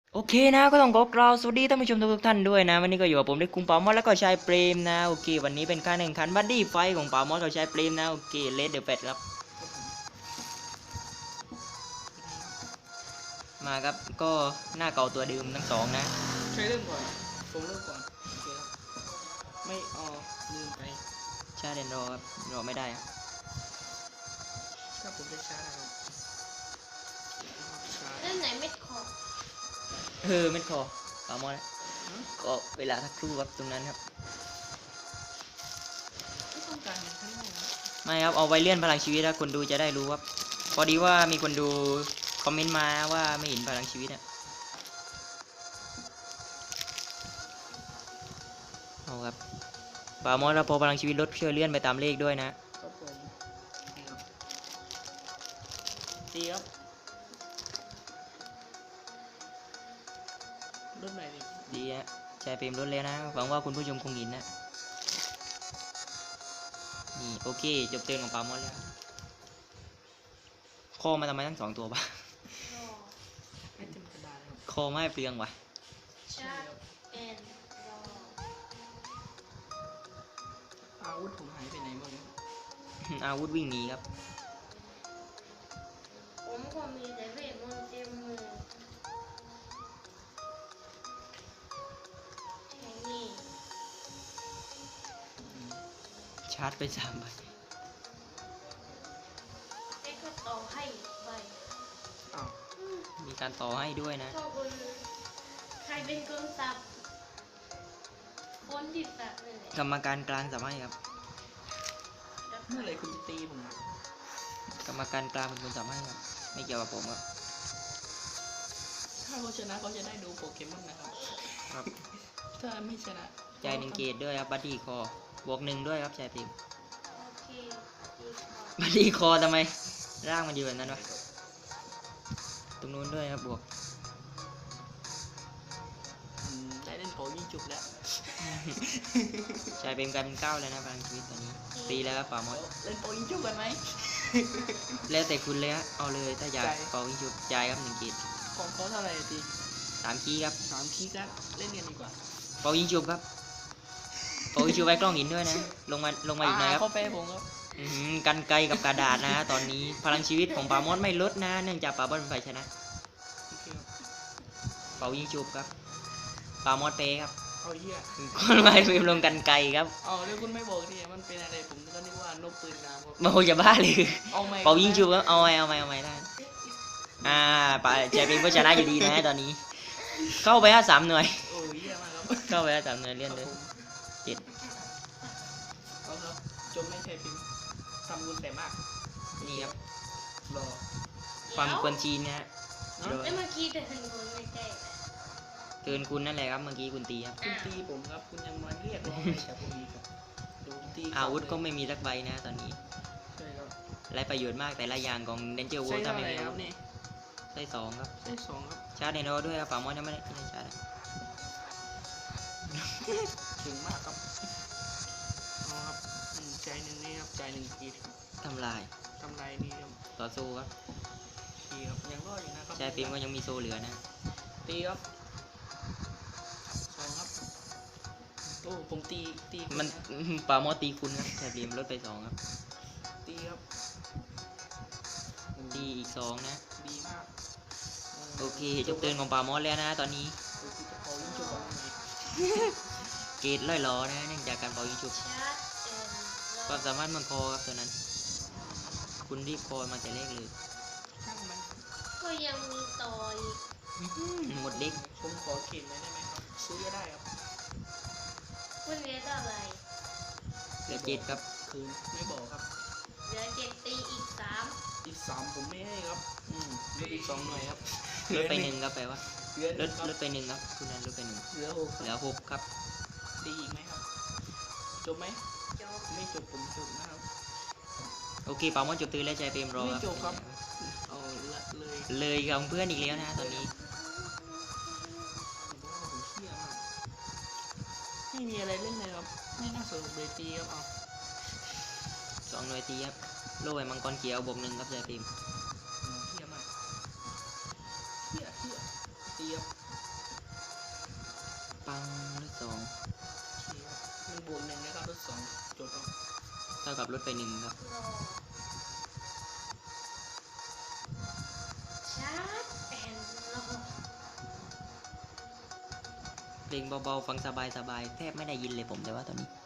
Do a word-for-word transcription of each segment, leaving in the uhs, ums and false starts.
โอเคนะก็ต้องขอกล่าวสวัสดีท่านผู้ชมทุกท่านด้วยนะวันนี้ก็อยู่กับผมได้คุงปามอสแล้วก็ชายเปรมนะโอเควันนี้เป็นการแข่งขันบัดดี้ไฟของปามอสกับชายเปรมนะโอเคเลดเดอะแฟตครับมาครับก็หน้าเก่าตัวเดิมทั้งสองนะใครเริ่มก่อนผมเริ่มก่อนโอเคครับไม่อ๋อลืมไปชาเดนรอครับรอไม่ได้ครับถ้าผมได้ช้าครับช้าเล่นไหนไม่ขอเออไม่พอปามอสก็เวลาทักครู่ครับตรงนั้นครับไม่ต้องการอย่างนั้นเลยนะไม่ครับเอาไว้เลื่อนพลังชีวิตถ้าคนดูจะได้รู้ครับพอดีว่ามีคนดูคอมเมนต์มาว่าไม่เห็นพลังชีวิตอะเอาครับปามอสแล้วพอพลังชีวิตลดช่วยเลื่อนไปตามเลขด้วยนะครับผมนี่ครับตีครับรถไหนดิดีฮะชายเปรมลดแล้วนะหวังว่าคุณผู้ชมคงเห็นนะนี่โอเคจบเตือนของปามอสแล้วคอมาทำไมทั้งสองตัวปะรอไม่เต็มกระดาษเลยครับคอไม่เปลืองวะชัดเป็นรออาวุธผมหายไปไหนบ้างครับอาวุธวิ่งหนีครับผมก็มีแต่เวทมนต์เต็มมือแค่นี้ชาร์จไปสามใบไอ้ก็ต่อให้ใบอ้าวอืมมีการต่อให้ด้วยนะก็คนใครเป็นคนสับคนที่สับนี่นแหละกรรมการกลางสามารถครับแล้วเมื่อไหรคุณจะตีผมอ่ะกรรมการกลางเป็นคนสามารถครับไม่เกี่ยวกับผมครับถ้าเขาชนะเขาจะได้ดูโปเกมอนนะครับครับถ้าไม่ชนะใจหนึ่งเกตด้วยครับบัดดี้คอบวกหนึ่งด้วยครับชายพิมพ์โอเคดีพอบัดดี้คอทำไมร่างมันอยู่แบบนั้นวะตรงนู้นด้วยครับบวกอืมได้เล่นโปยิ่งจุกแล้วชายพิมพ์กลายเป็นเก้าแล้วนะพลังชีวิตตอนนี้ตีแล้วครับป่ามดเล่นโปยิ่งจุกกันไหมแล้วแต่คุณเลยฮะเอาเลยถ้าอยากใจเป่าวิงชุบจ่ายครับหนึ่งเกตของเขาเท่าไหร่อะตีสามคีย์ครับสามคีย์กันเล่นกันดีกว่าเป่าวิงชุบครับเป่าวิงชุบไว้กล้องหินด้วยนะลงมาลงมาอีกหน่อยครับเขาไปผมครับอื้อหือกันไกลกับกระดาษนะฮะตอนนี้พลังชีวิตของป่ามดไม่ลดนะเนื่องจากป่ามดเป็นฝ่ายชนะโอเคครับเป่ายิงชุบครับป่ามดเปครับเอาเหี้ยคนไม่พิมพ์ลงกันไกลครับเอาเดี๋ยวคุณไม่บอกทีมันเป็นอะไรผมก็นึกว่านกปืนน้ำครับโมจะบ้าเลยเอาไหมเป่ายิงชุบครับเอาไว้เอาไว้เอาไว้ได้อ่าป่าใจเป็นผู้ชนะอยู่ดีนะตอนนี้ เข้าไปฮะสามหน่วยโอ้ยเหี้ยมากครับเข้าไปฮะสามหน่วยเลื่อนคเลรับยผมเจ็ดเอาครับจบไม่ใช่พิมพ์ทำบุญแต่มากนี่ครับรอความกวนชีนนะฮะเนอะโดยแล้วเมื่อกี้แต่ถึงคนไม่ใช่เกินคุณนั่นแหละครับเมื่อกี้คุณตีครับคุณตีผมครับคุณยังมาเรียกร้องอะไรจากผมอีกครับดูผมตีอาวุธก็ไม่มีสักใบนะตอนนี้ใช่ครับไรประโยชน์มากแต่ละอย่างของเดนเจอร์วูใช่ถ้าเท่าไม่ไหร่มีคอารัวุบธนี่ได้สองครับใช่สองครับชาร์จในโนด้วยครับป่ามดยังไม่ได้ไม่ได้ชาร์จถึงมากครับเอาครับอืมใจหนึ่งนี่ครับใจหนึ่งกีดครับทำลายทำไรนี่ครับต่อสู้ครับตีครับยังรอดอยู่นะครับชายฟิล์มก็ยังมีโซเหลือนะตีครับสองครับโอ้ผมตีตีคุณมันนะป่ามดตีคุณครับชายฟิล์มลดไปสองครับตีครับตีอีกสองนะดีมากโอเคจบเตือนของป่ามดแล้วนะตอนนี้โอ้ยจะเป่ายิงจุกเอาไงเกรดล่อยล้อนะเนื่องจากการเป่ายิงฉุบชัดเป็นรคอวามสามารถมันคอครับตัวนั้น คุณรีบคอมาแต่แรกเลยช่างมันก็ยังมีต่ออีกหมดเล็กผมขอเข็นเลยได้ไหมครับซื้อก็ได้ครับคุณเหลือเท่าไหร่เหลือเจ็ดครับคืนไม่บอกครับเหลือเจ็ดตีอีกสามอีกสามผมไม่ให้ครับอืมลดอีกสองหน่อยครับลดไปหนึ่งครับแปลว่าเหลือหลนึ่ดงครับลดไปหนึ่งครับคุณนั้นลดไปหนึ่งเหลือหกเหลือหกครับตีอีกไหมครับจบไหมจบไม่จบผมจบนะครับโอเคป่ามดจบตือแล้วใจเปรมรอไม่จบครับ เอาละเลยเลยกับเพื่อนอีกแล้วนะตอนนี้ผมว่าผมเชี่ยมากไม่มีอะไรเล่นเลยครับ ไม่น่าสนุกเลยตีครับเอาสองหน่วยตีครับโล่ไอ้มังกรเขียวบวกหนึ่งครับใจเปรมอืมเชี่ยมากเชี่ยเชี่ยตีครับปังลดสองโอเคครับหนึ่งบวกหนึ่งนะครับลดสองจบครับเท่ากับลดไปหนึ่งครับรอชาร์จแอนด์รอเพลงเบาๆฟังสบายๆแทบไม่ได้ยินเลยผมแต่ว่าตอนนี้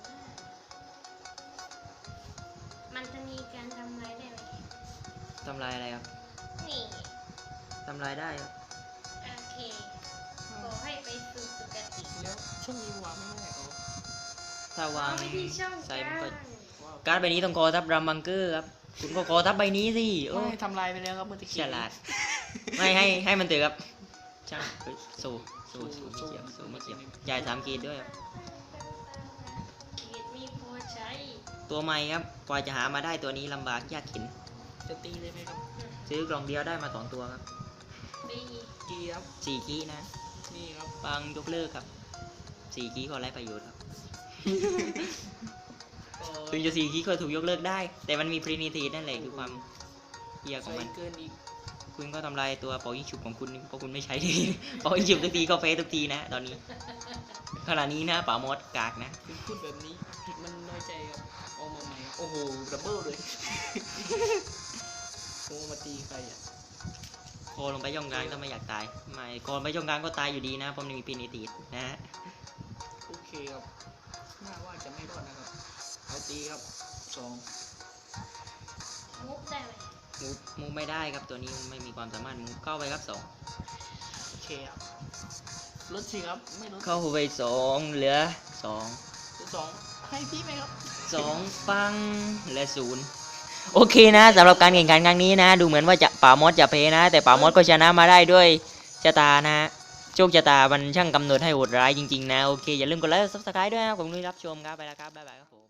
มันจะมีการทำร้ายได้ไหมทำลายอะไรครับนี่ทำลายได้ครับโอเคขอให้ไปสู่สุคติแล้วช่วงนี้วางไม่ได้เหรอถ้าวางเอไปที่ช่องใส่มันกก็ลางว้าวการ์ดใบนี้ต้องคอทับรัมบังเกอร์ครับคุณก็คอทับใบนี้สิโอ้ไม่ทำลายไปแล้วครับเมื่อตะกี้ฉลาด ไม่ให้ให้มันเตือครับช่างเฮ้ยสู้สู้สู้ไม่เกี่ยวสู้ไม่เกี่ยวจ่ายสามกีดด้วยครับเกียรติมีพอใช้ตัวใหม่ครับกว่าจะหามาได้ตัวนี้ลำบากยากเข็นจะตีเลยไหมครับซื้อกล่องเดียวได้มาสองตัวครับดีกีครับสี่กีนะนี่ครับบางยกเลิกครับสี่กีก็ไร้ประโยชน์ครับเอ่อถึงจะสี่กีก็ถูกยกเลิกได้ แต่มันมีพรีนิทีนั่นแหละคือความเฮียของใส่มันเกินอีกคุณก็ทำลายตัวเป่ายิงฉุบของคุณเพราะคุณไม่ใช้ที เป่ายิงฉุบทุกทีก็เฟสทุกทีนะ ตอนนี้ขณะนี้นะป่ามดกากนะคุณพูดแบบนี้มันน้อยใจครับเอามาใหม่ครับโอ้โหดับเบิลเลย โอ้มาตีใครอ่ะโคลงไปย่องกลางถ้าไม่อยากตายไม่โคลงไปย่องกลางก็ตายอยู่ดีนะเพราะมันมีพรีนิทีนะฮะโอเคครับน่าว่าจะไม่รอดนะครับเอาตีครับสองมุกได้ไหมมูฟมูฟไม่ได้ครับตัวนี้มันไม่มีความสามารถมูฟเข้าไปครับสองโอเคครับลดสิครับไม่ลดเข้าไปสองเหลือสองสองให้พี่ไหมครับสองปังและศูนย์โอเคนะสำหรับการแข่งขันครั้งนี้นะ ดูเหมือนว่าจะป่ามดจะเพนะ แต่ป่ามดก็ชนะมาได้ด้วยชะตานะ โชคชะตามันช่างกำหนดให้โหดร้ายจริงๆนะ โอเค อย่าลืมกดไลค์ ซับสไครต์ด้วยนะครับผมที่รับชมครับ ไปแล้วครับ บ๊ายบายครับผม